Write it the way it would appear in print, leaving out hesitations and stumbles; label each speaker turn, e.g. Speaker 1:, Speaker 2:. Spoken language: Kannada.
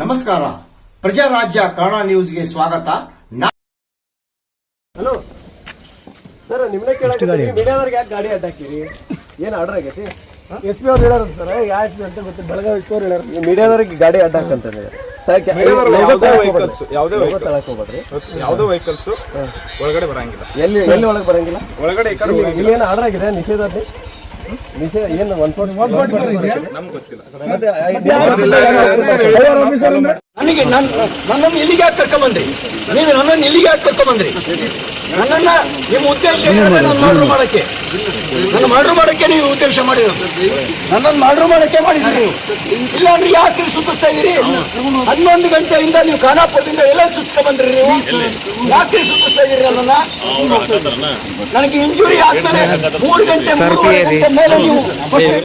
Speaker 1: ನಮಸ್ಕಾರ. ಪ್ರಜಾರಾಜ್ಯ ಕನ್ನಡ ನ್ಯೂಸ್ಗೆ ಸ್ವಾಗತ.
Speaker 2: ಹಲೋ ಸರ್, ನಿಮ್ಮನ್ನ ಕೇಳಕ್ಕೆ ಮೀಡಿಯಾದವ್ರಿಗೆ ಯಾಕೆ ಗಾಡಿ ಅಡ್ಡಾಕಿರಿ? ಏನು ಆರ್ಡರ್ ಆಗೈತಿ? SP ಅವ್ರು ಹೇಳಾರ ಸರ್, ಯಾವ SP ಅಂತ ಗೊತ್ತಿಲ್ಲ, ಬೆಳಗಾವಿ SP ಅವ್ರು ಹೇಳಾರ ಮೀಡಿಯಾದವ್ರಿಗೆ ಗಾಡಿ ಅಡ್ಡಾಕಂತಂದ್ರೆ
Speaker 3: ಯಾವುದೋ ವೆಹಿಕಲ್ಸ್ ಒಳಗಡೆ ಬರಂಗಿಲ್ಲ.
Speaker 2: ಎಲ್ಲಿ ಒಳಗೆ ಬರಂಗಿಲ್ಲ?
Speaker 3: ಒಳಗಡೆ
Speaker 2: ಇಲ್ಲಿ ಏನು ಆರ್ಡರ್ ಆಗಿದೆ ನಿಷೇಧ? ನಿಷೇಧ ಏನು 140
Speaker 3: ನಮ್ಗೆ ಗೊತ್ತಿಲ್ಲ.
Speaker 4: ನನಗೆ ನನ್ನನ್ನು ಇಲ್ಲಿಗೆ ಯಾಕೆ ಕರ್ಕೊಂಬಂದ್ರಿ? ನೀವು ನನ್ನನ್ನು ಇಲ್ಲಿಗೆ ಯಾಕೆ ಕರ್ಕೊಂಬಂದ್ರಿ? ನನ್ನನ್ನ ನಿಮ್ಮ ಉದ್ದೇಶ ಏನಂದ್ರೆ ನನ್ನ ಮರ್ಡರ್ ಮಾಡಕ್ಕೆ ನೀವು ಉದ್ದೇಶ ಮಾಡಿರೋದು. ನನ್ನನ್ನು ಮರ್ಡರ್ ಮಾಡಕ್ಕೆ ಮಾಡಿದ್ರಿ ನೀವು. ಇಲ್ಲಾಂದ್ರೆ ಯಾಕೆ ಸುತ್ತಿಸ್ತಾ ಇದೀರಿ? 11 ಗಂಟೆಯಿಂದ ನೀವು ಖಾನಾಪುರದಿಂದ ಎಲ್ಲ ಸುತ್ತಿಸ್ತಾ ಬಂದ್ರಿ ನೀವು. ಯಾಕೆ ಸುತ್ತಿಸ್ತಾ ಇದೀರಿ ನನ್ನನ್ನ? ನನಗೆ ಇಂಜುರಿ ಆದ್ಮೇಲೆ 3 ಗಂಟೆ ಮೇಲೆ ನೀವು